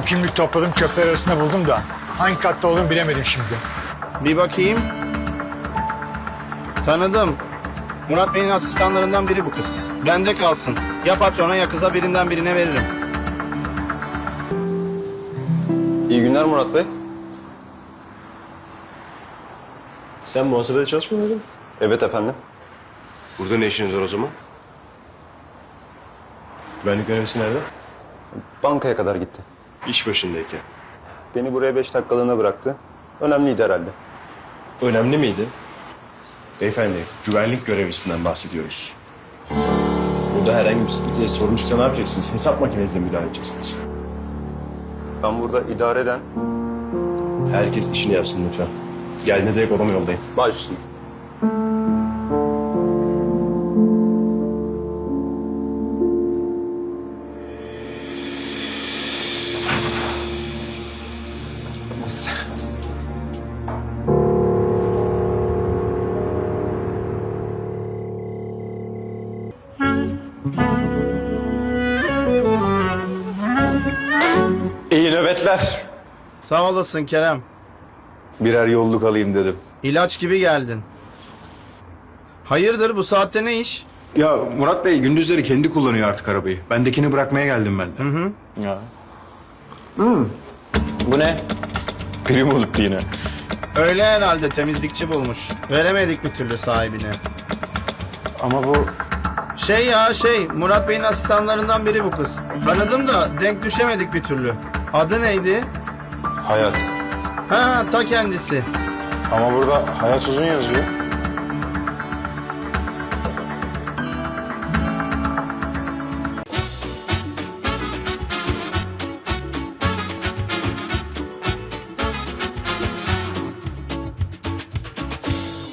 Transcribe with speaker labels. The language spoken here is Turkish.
Speaker 1: kimlik topladım, çöpler arasında buldum da hangi katta olduğunu bilemedim şimdi.
Speaker 2: Bir bakayım. Tanıdım. Murat Bey'in asistanlarından biri bu kız. Bende kalsın. Ya patrona ya kıza birinden birine veririm.
Speaker 3: İyi günler Murat Bey.
Speaker 4: Sen muhasebede çalışmıyor muydun?
Speaker 3: Evet efendim.
Speaker 4: Burada ne işiniz var o zaman? Güvenlik görevlisi nerede?
Speaker 3: Bankaya kadar gitti.
Speaker 4: İş başındayken.
Speaker 3: Beni buraya 5 dakikalığına bıraktı. Önemliydi herhalde.
Speaker 4: Önemli miydi? Beyefendi, güvenlik görevlisinden bahsediyoruz. Burada herhangi bir sıkıntıya sorun çıksa ne yapacaksınız? Hesap makinesine müdahale edeceksiniz.
Speaker 3: Ben burada idare eden
Speaker 4: Herkes işini yapsın lütfen. Geldiğinde direkt odama yollayın.
Speaker 3: baş üstüne. Neyse. İyi nöbetler.
Speaker 2: Sağ olasın Kerem.
Speaker 3: Birer yolluk alayım dedim.
Speaker 2: İlaç gibi geldin. Hayırdır bu saatte ne iş?
Speaker 5: Ya Murat Bey gündüzleri kendi kullanıyor artık arabayı. Bendekini bırakmaya geldim ben de.
Speaker 3: Ya. Bu ne? Prim olup yine.
Speaker 2: Öyle herhalde temizlikçi bulmuş. Veremedik bir türlü sahibine.
Speaker 3: Ama bu
Speaker 2: Murat Bey'in asistanlarından biri bu kız. Tanıdım da denk düşemedik bir türlü. Adı neydi?
Speaker 3: hayat.
Speaker 2: Ha ta kendisi.
Speaker 3: Ama burada hayat uzun yazıyor.